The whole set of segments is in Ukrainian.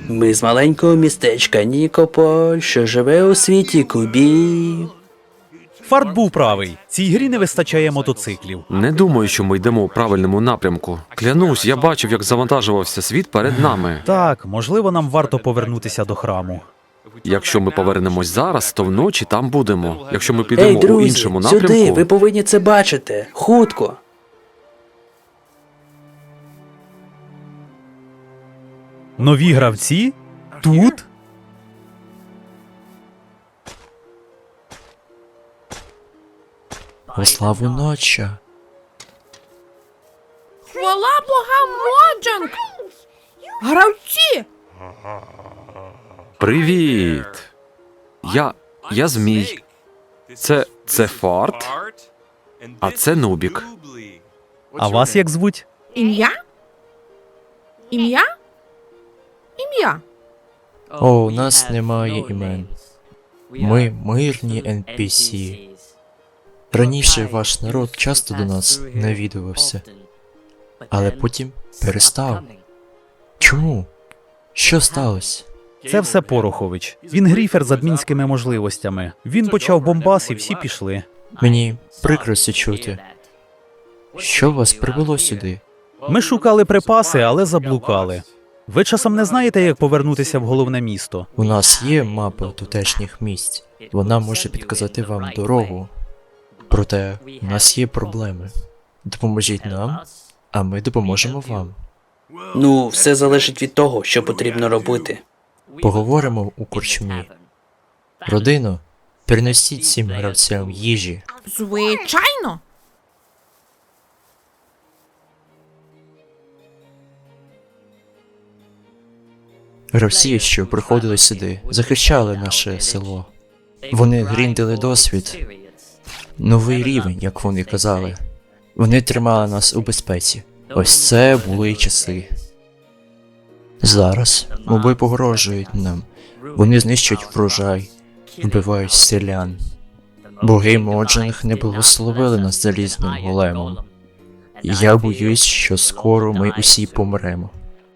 Ми з маленького містечка Нікополь, що живе у світі кубів. Фарт був правий. Цій грі не вистачає мотоциклів. Не думаю, що ми йдемо у правильному напрямку. Клянусь, я бачив, як завантажувався світ перед нами. Так, можливо, нам варто повернутися до храму. Якщо ми повернемось зараз, то вночі там будемо. Якщо ми Ей, підемо у друзі, іншому сюди, напрямку, ви повинні це бачити. Хутко. Нові гравці? Тут? Во славу ноча. Хвала богам Моджанг! Гравці! привіт! Я Змій. Це Фарт, а це Нубік. А вас як звуть? Ім'я? Ім'я? Ім'я. О, у нас немає імен. Ми мирні NPC. Раніше ваш народ часто до нас навідувався, але потім перестав. Чому? Що сталося? Це все Порохович. Він гріфер з адмінськими можливостями. Він почав бомбас і всі пішли. Мені прикро це чути. Що вас привело сюди? Ми шукали припаси, але заблукали. Ви часом не знаєте, як повернутися в головне місто? У нас є мапа тутешніх місць. Вона може підказати вам дорогу. Проте у нас є проблеми. Допоможіть нам, а ми допоможемо вам. Ну, все залежить від того, що потрібно робити. Поговоримо у корчмі. Родино, принесіть всім гравцям їжі. Звичайно. Гравці, що приходили сюди, захищали наше село. Вони гріндили досвід, новий рівень, як вони казали. Вони тримали нас у безпеці. Ось це були часи. Зараз моби погрожують нам. Вони знищують врожай, вбивають селян. Боги Моджанг не благословили нас залізним големом. Я боюсь, що скоро ми усі помремо.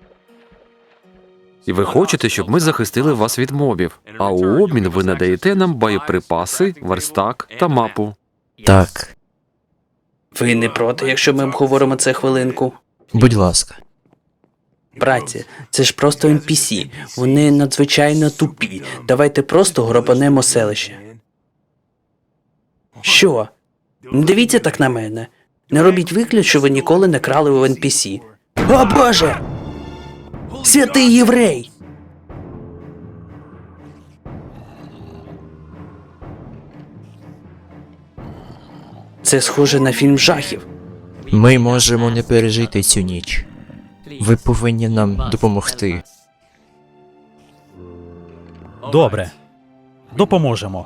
І ви хочете, щоб ми захистили вас від мобів, а у обмін ви надаєте нам боєприпаси, верстак та мапу. Так, Ви не проти, якщо ми обговоримо це хвилинку? будь ласка. Братці, це ж просто NPC. Вони надзвичайно тупі. Давайте просто грабанемо селище. Що? Не дивіться так на мене. Не робіть вигляд, що ви ніколи не крали у NPC. О боже! Святий єврей! Це схоже на фільм жахів. Ми можемо не пережити цю ніч. Ви повинні нам допомогти. Добре. Допоможемо.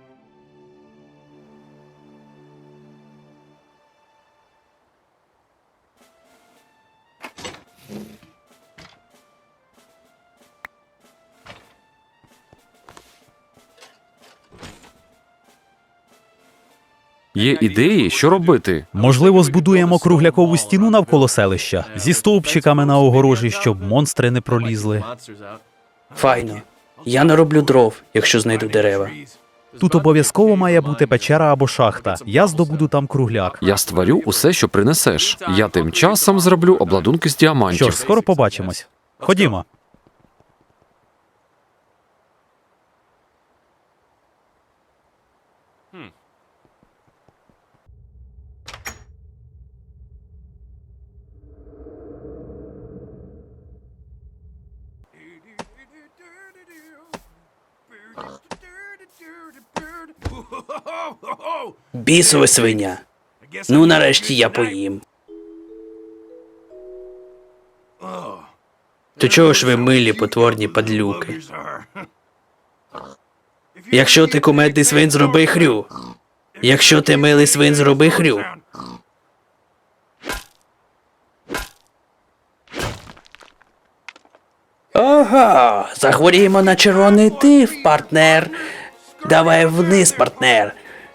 Є ідеї, що робити? Можливо, збудуємо круглякову стіну навколо селища зі стовпчиками на огорожі, щоб монстри не пролізли. Файно. Я нароблю дров, якщо знайду дерева. Тут обов'язково має бути печера або шахта. Я здобуду там кругляк. Я створю усе, що принесеш. Я тим часом зроблю обладунки з Що діамантів. ж, скоро побачимось. Ходімо. Бісове свиня. Ну, нарешті я поїм. То чого ж ви милі потворні падлюки? Якщо ти кумедний свин, зроби хрю. Якщо ти милий свин, зроби хрю. Ого, захворіємо на червоний тиф, партнер. Давай вниз, партнер.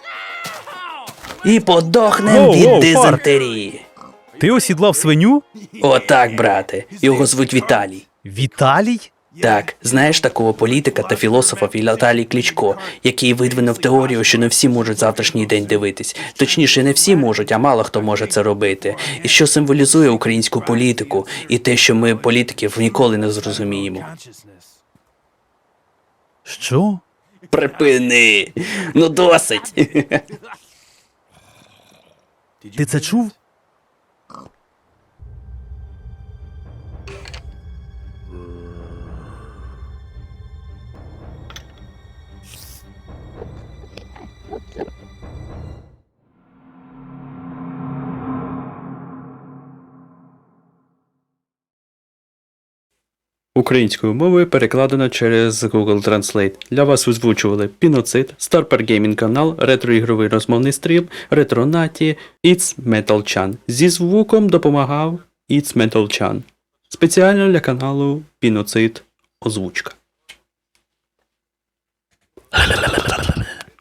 І подохнем Воу, від воу, дизентерії. Ти осідлав свиню? Отак, брате. Його звуть Віталій. Віталій? Так, знаєш такого політика та філософа Віталій Кличко, який видвинув теорію, що не всі можуть завтрашній день дивитись. Точніше, не всі можуть, а мало хто може це робити. І що символізує українську політику, і те, що ми політиків ніколи не зрозуміємо. Що? Припини! Ну досить! Ти це чув? Українською мовою перекладено через Google Translate. Для вас озвучували Піноцид, Старпер Геймінг канал, ретроігровий розмовний стрім, Ретронаті, It's Metal Chan. Зі звуком допомагав It's Metal Chan. Спеціально для каналу Піноцид озвучка.